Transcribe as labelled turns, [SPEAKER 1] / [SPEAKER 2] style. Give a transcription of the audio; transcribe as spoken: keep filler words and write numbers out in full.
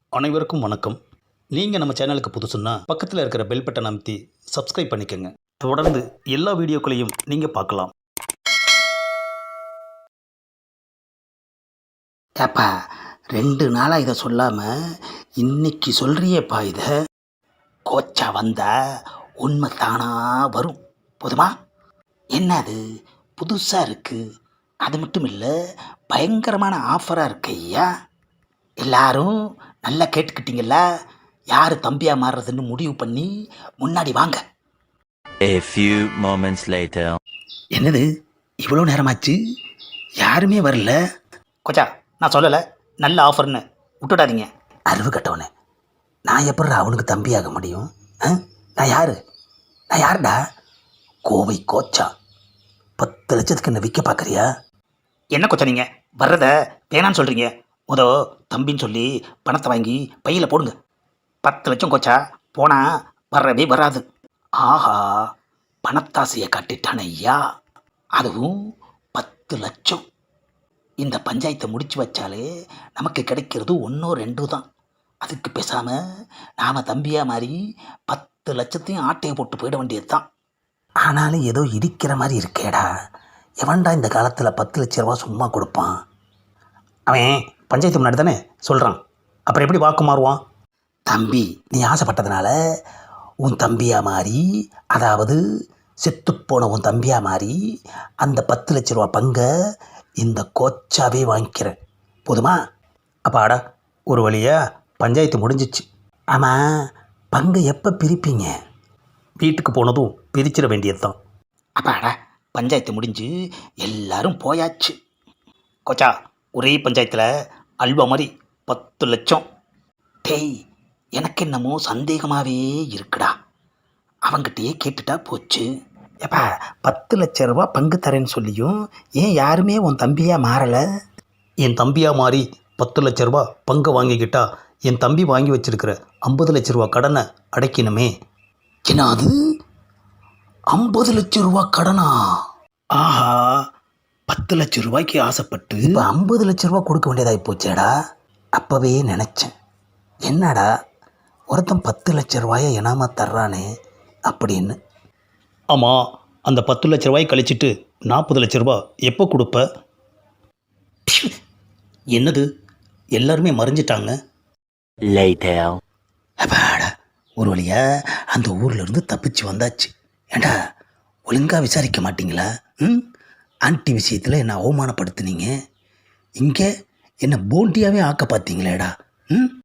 [SPEAKER 1] அனைவருக்கும் வணக்கம். நீங்கள் நம்ம சேனலுக்கு புதுசுன்னா பக்கத்தில் இருக்கிற பெல் பட்டன் அமைத்தி சப்ஸ்கிரைப் பண்ணிக்கோங்க. தொடர்ந்து எல்லா வீடியோக்களையும் நீங்கள் பார்க்கலாம்.
[SPEAKER 2] ஏப்பா, ரெண்டு நாளாக இதை சொல்லாமல் இன்னைக்கு சொல்கிறியேப்பா இதை. கோச்சா வந்தா உண்மை தானா வரும். போதுமா? என்ன அது புதுசாக இருக்குது, அது மட்டும் இல்லை பயங்கரமான ஆஃபராக இருக்கு ஐயா. எல்லாரும் நல்லா கேட்டுக்கிட்டீங்களா? யார் தம்பியாக மாறுறதுன்னு முடிவு பண்ணி முன்னாடி வாங்க.
[SPEAKER 3] A few moments later.
[SPEAKER 2] என்னது இவ்வளோ நேரமாச்சு, யாருமே வரல?
[SPEAKER 1] கொச்சா, நான் சொல்லலை நல்ல ஆஃபர்னு விட்டுடாதீங்க.
[SPEAKER 2] அறிவு கட்டவனே, நான் எப்படி அவனுக்கு தம்பியாக முடியும்? ஆ? நான் யாரு? நான் யாருடா? கோவை கோச்சா. பத்து லட்சத்துக்கு என்ன விற்க பார்க்குறியா?
[SPEAKER 1] என்ன கொச்சா நீங்கள் வர்றத வேணான்னு சொல்கிறீங்க? முதோ தம்பின்னு சொல்லி பணத்தை வாங்கி பையில் போடுங்க. பத்து லட்சம் கொச்சா போனால் வர்றவே வராது.
[SPEAKER 2] ஆஹா, பணத்தாசையை காட்டிட்டான ஐயா. அதுவும் பத்து லட்சம். இந்த பஞ்சாயத்தை முடிச்சு வச்சாலே நமக்கு கிடைக்கிறது ஒன்றோ ரெண்டோ தான். அதுக்கு பேசாமல் நாம் தம்பியாக மாறி பத்து லட்சத்தையும் ஆட்டையை போட்டு போயிட வேண்டியது தான். ஆனாலும் ஏதோ இடிக்கிற மாதிரி இருக்கேடா. எவன்டா இந்த காலத்தில் பத்து லட்ச ரூபா சும்மா கொடுப்பான்?
[SPEAKER 1] அவன் பஞ்சாயத்து முன்னாடி தானே சொல்கிறான், அப்புறம் எப்படி வாக்கு மாறுவான்?
[SPEAKER 2] தம்பி, நீ ஆசைப்பட்டதுனால உன் தம்பியாக மாறி, அதாவது செத்துப்போன உன் தம்பியாக மாறி அந்த பத்து லட்ச ரூபா பங்கை இந்த கோச்சாவே வாங்கிக்கிறேன். போதுமா?
[SPEAKER 1] அப்பாடா, ஒரு வழியாக பஞ்சாயத்து முடிஞ்சிச்சு.
[SPEAKER 2] ஆமாம், பங்கை எப்போ பிரிப்பீங்க?
[SPEAKER 1] வீட்டுக்கு போனதும் பிரிச்சிட வேண்டியது தான்.
[SPEAKER 2] அப்பாடா, பஞ்சாயத்து முடிஞ்சு எல்லாரும் போயாச்சு.
[SPEAKER 1] கொச்சா, ஒரே பஞ்சாயத்தில் அல்வா மாதிரி பத்து லட்சம்.
[SPEAKER 2] டேய், எனக்கு என்னமோ சந்தேகமாகவே இருக்குடா. அவங்கிட்டயே கேட்டுட்டா போச்சு. ஏப்பா, பத்து லட்ச ரூபா பங்கு தரேன்னு சொல்லியும் ஏன் யாருமே உன் தம்பியாக மாறலை?
[SPEAKER 1] என் தம்பியாக மாறி பத்து லட்ச ரூபா பங்கை வாங்கிக்கிட்டா என் தம்பி வாங்கி வச்சிருக்கிற ஐம்பது லட்ச ரூபா கடனை அடைக்கணுமே.
[SPEAKER 2] என்ன அது, ஐம்பது லட்ச ரூபா கடனா?
[SPEAKER 1] ஆஹா, பத்து லட்ச ரூபாய்க்கு ஆசைப்பட்டு
[SPEAKER 2] இப்போ ஐம்பது லட்ச ரூபா கொடுக்க வேண்டியதாகி போச்சேடா. அப்போவே நினச்சேன், என்னடா ஒருத்தன் பத்து லட்ச ரூபாயை இனாமா தர்றானே அப்படின்னு.
[SPEAKER 1] ஆமாம், அந்த பத்து லட்ச ரூபாய் கழிச்சிட்டு நாற்பது லட்ச ரூபா எப்போ கொடுப்ப? என்னது, எல்லாருமே மறைஞ்சிட்டாங்க.
[SPEAKER 3] Later.
[SPEAKER 2] அப்பாடா, ஒரு வழியா அந்த ஊரில் இருந்து தப்பிச்சு வந்தாச்சு. ஏண்டா, ஒழுங்காக விசாரிக்க மாட்டிங்களா? ம் ஆன்ட்டி விஷயத்தில் என்னை அவமானப்படுத்துனீங்க, இங்கே என்னை போண்டியாகவே ஆக்க பார்த்தீங்களேடா. ம்